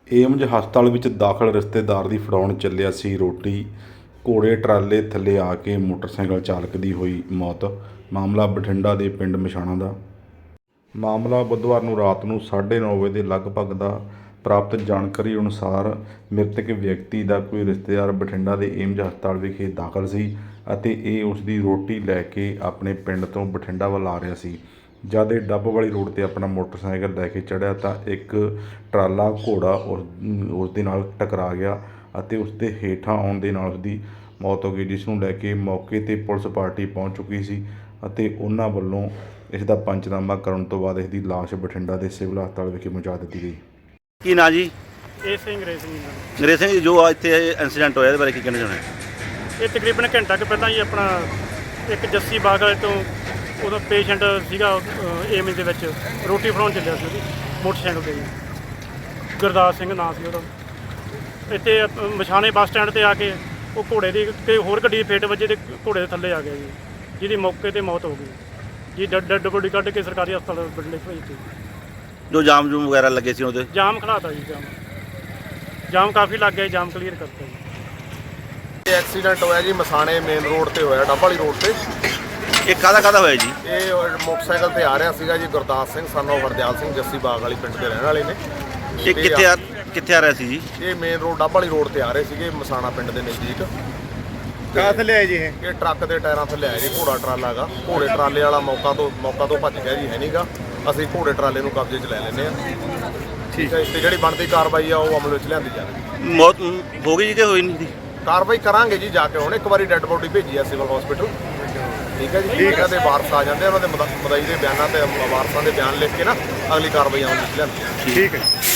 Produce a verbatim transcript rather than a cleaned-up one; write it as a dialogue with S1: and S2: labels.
S1: AIIMS ਹਸਪਤਾਲ ਵਿੱਚ ਦਾਖਲ ਰਿਸ਼ਤੇਦਾਰ ਦੀ ਫੜਾਉਣ ਚੱਲਿਆ ਸੀ ਰੋਟੀ, ਘੋੜੇ ਟਰਾਲੇ ਥੱਲੇ ਆ ਕੇ ਮੋਟਰਸਾਈਕਲ ਚਾਲਕ ਦੀ ਹੋਈ ਮੌਤ। ਮਾਮਲਾ ਬਠਿੰਡਾ ਦੇ ਪਿੰਡ ਮਛਾਣਾ ਦਾ। ਮਾਮਲਾ ਬੁੱਧਵਾਰ ਨੂੰ ਰਾਤ ਨੂੰ ਸਾਢੇ ਨੌ ਵਜੇ ਦੇ ਲਗਭਗ ਦਾ। ਪ੍ਰਾਪਤ ਜਾਣਕਾਰੀ ਅਨੁਸਾਰ ਮ੍ਰਿਤਕ ਵਿਅਕਤੀ ਦਾ ਕੋਈ ਰਿਸ਼ਤੇਦਾਰ ਬਠਿੰਡਾ ਦੇ ਏਮਜ ਹਸਪਤਾਲ ਵਿਖੇ ਦਾਖਲ ਸੀ ਅਤੇ ਇਹ ਉਸ ਦੀ ਰੋਟੀ ਲੈ ਕੇ ਆਪਣੇ ਪਿੰਡ ਤੋਂ ਬਠਿੰਡਾ ਵੱਲ ਆ ਰਿਹਾ ਸੀ। ਜਦ ਇਹ ਡੱਬ ਵਾਲੀ ਰੋਡ 'ਤੇ ਆਪਣਾ ਮੋਟਰਸਾਈਕਲ ਲੈ ਕੇ ਚੜ੍ਹਿਆ ਤਾਂ ਇੱਕ ਟਰਾਲਾ ਘੋੜਾ ਉਸ ਉਸ ਦੇ ਨਾਲ ਟਕਰਾ ਗਿਆ ਅਤੇ ਉਸ ਦੇ ਹੇਠਾਂ ਆਉਣ ਦੇ ਨਾਲ ਉਸਦੀ ਮੌਤ ਹੋ ਗਈ, ਜਿਸ ਨੂੰ ਲੈ ਕੇ ਮੌਕੇ 'ਤੇ ਪੁਲਿਸ ਪਾਰਟੀ ਪਹੁੰਚ ਚੁੱਕੀ ਸੀ ਅਤੇ ਉਹਨਾਂ ਵੱਲੋਂ ਇਸ ਦਾ ਪੰਚਨਾਮਾ ਕਰਨ ਤੋਂ ਬਾਅਦ ਇਸ ਦੀ ਲਾਸ਼ ਬਠਿੰਡਾ ਦੇ ਸਿਵਲ ਹਸਪਤਾਲ ਵਿਖੇ ਪਹੁੰਚਾ ਦਿੱਤੀ ਗਈ।
S2: ਕੀ ਨਾਂ ਜੀ?
S3: ਇਹ ਸਿੰਘ ਅੰਗਰੇਜ਼ ਸਿੰਘ ਜੀ।
S2: ਅੰਗਰੇਜ਼ ਸਿੰਘ ਜੀ, ਜੋ ਆ ਇੱਥੇ ਇੰਸੀਡੈਂਟ ਹੋਇਆ ਇਹਦੇ ਬਾਰੇ ਕੀ ਕਹਿਣਾ ਚਾਹੁੰਦੇ?
S3: ਇਹ ਤਕਰੀਬਨ ਘੰਟਾ ਕੁ ਪਹਿਲਾਂ ਹੀ ਆਪਣਾ ਇੱਕ ਜੱਸੀ ਬਾਗ ਵਾਲੇ ਤੋਂ ਉਹਦਾ ਪੇਸ਼ੈਂਟ ਸੀਗਾ ਏਮਜ ਦੇ ਵਿੱਚ ਰੋਟੀ ਫੜਾਉਣ ਚੱਲਿਆ ਸੀ ਉਹਦੀ ਮੋਟਰਸਾਈਕਲ 'ਤੇ ਜੀ। ਗੁਰਦਾਸ ਸਿੰਘ ਨਾਂ ਸੀ ਉਹਦਾ। ਇੱਥੇ ਮਛਾਣੇ ਬੱਸ ਸਟੈਂਡ 'ਤੇ ਆ ਕੇ ਉਹ ਘੋੜੇ ਦੀ ਤੇ ਹੋਰ ਗੱਡੀ ਦੀ ਫੇਟ ਵੱਜੇ ਤੇ ਘੋੜੇ ਦੇ ਥੱਲੇ ਆ ਗਿਆ ਜੀ, ਜਿਹਦੀ ਮੌਕੇ 'ਤੇ ਮੌਤ ਹੋ ਗਈ ਜੀ। ਡੈਡ ਡੈਡ ਬੋਡੀ ਕੱਢ ਕੇ ਸਰਕਾਰੀ ਹਸਪਤਾਲ ਬਠਿੰਡੇ ਭੇਜਤੀ।
S2: ਜੋ ਜਾਮ ਜੂਮ ਵਗੈਰਾ ਲੱਗੇ ਸੀ ਉਹਦੇ?
S3: ਜਾਮ ਖੜਾਤਾ ਜੀ, ਜਾਮ ਜਾਮ ਕਾਫੀ ਲੱਗ ਗਿਆ, ਜਾਮ ਕਲੀਅਰ ਕਰਤਾ ਜੀ।
S4: ਇਹ ਐਕਸੀਡੈਂਟ ਹੋਇਆ ਜੀ ਮਸਾਣੇ ਮੇਨ ਰੋਡ ਤੇ ਹੋਇਆ, ਡੱਬ ਵਾਲੀ ਰੋਡ ਤੇ।
S2: ਇਹ ਕਾਹਦਾ ਕਾਹਦਾ ਹੋਇਆ ਜੀ?
S4: ਇਹ ਮੋਟਰਸਾਈਕਲ ਤੇ ਆ ਰਿਹਾ ਸੀਗਾ ਜੀ ਗੁਰਦਾਸ ਸਿੰਘ ਸਨ ਆਫ ਹਰਦਿਆਲ ਸਿੰਘ ਜੱਸੀ ਬਾਗ ਵਾਲੀ ਪਿੰਡ ਦੇ ਰਹਿਣ ਵਾਲੇ ਨੇ।
S2: ਇਹ ਕਿੱਥੇ ਆ ਕਿੱਥੇ ਆ ਰਿਹਾ ਸੀ ਜੀ?
S4: ਇਹ ਮੇਨ ਰੋਡ ਡੱਬ ਵਾਲੀ ਰੋਡ ਤੇ ਆ ਰਹੇ ਸੀਗੇ ਮਸਾਣਾ ਪਿੰਡ ਦੇ ਨਜ਼ਦੀਕ।
S5: ਕਾਹ ਥੱਲੇ ਆਏ ਜੀ ਇਹ?
S4: ਇਹ ਟਰੱਕ ਦੇ ਟਾਇਰਾਂ ਥੱਲੇ ਆਇਆ ਜੀ, ਘੋੜਾ ਟਰਾਲਾ ਗਾ। ਘੋੜੇ ਟਰਾਲੇ ਵਾਲਾ ਮੌਕਾ ਤੋਂ ਮੌਕਾ ਤੋਂ ਭੱਜ ਗਿਆ ਜੀ, ਹੈ ਨਹੀਂਗਾ। ਅਸੀਂ ਘੋੜੇ ਟਰਾਲੇ ਨੂੰ ਕਬਜ਼ੇ 'ਚ ਲੈ ਲੈਂਦੇ ਆ। ਠੀਕ ਹੈ, ਤੇ ਜਿਹੜੀ ਬਣਦੀ ਕਾਰਵਾਈ ਆ ਉਹ ਅਮਲ ਵਿੱਚ ਲਿਆਂਦੀ ਜਾਵੇ।
S2: ਮੌਤ ਹੋ ਗਈ ਜੀ ਕਿ ਹੋਈ ਨਹੀਂ?
S4: ਕਾਰਵਾਈ ਕਰਾਂਗੇ ਜੀ ਜਾ ਕੇ। ਹੁਣ ਇੱਕ ਵਾਰੀ ਡੈੱਡ ਬੋਡੀ ਭੇਜੀ ਆ ਸਿਵਲ ਹਸਪੀਟਲ। ਠੀਕ ਹੈ ਜੀ, ਠੀਕ ਹੈ। ਤੇ ਵਾਰਸ ਆ ਜਾਂਦੇ, ਉਹਨਾਂ ਦੇ ਮਦਈ ਦੇ ਬਿਆਨਾਂ ਤੇ ਵਾਰਸਾਂ ਦੇ ਬਿਆਨ ਲਿਖ ਕੇ ਨਾ ਅਗਲੀ ਕਾਰਵਾਈ ਅਮਲ ਵਿੱਚ ਲਿਆਂਦੀ।
S5: ਠੀਕ ਹੈ।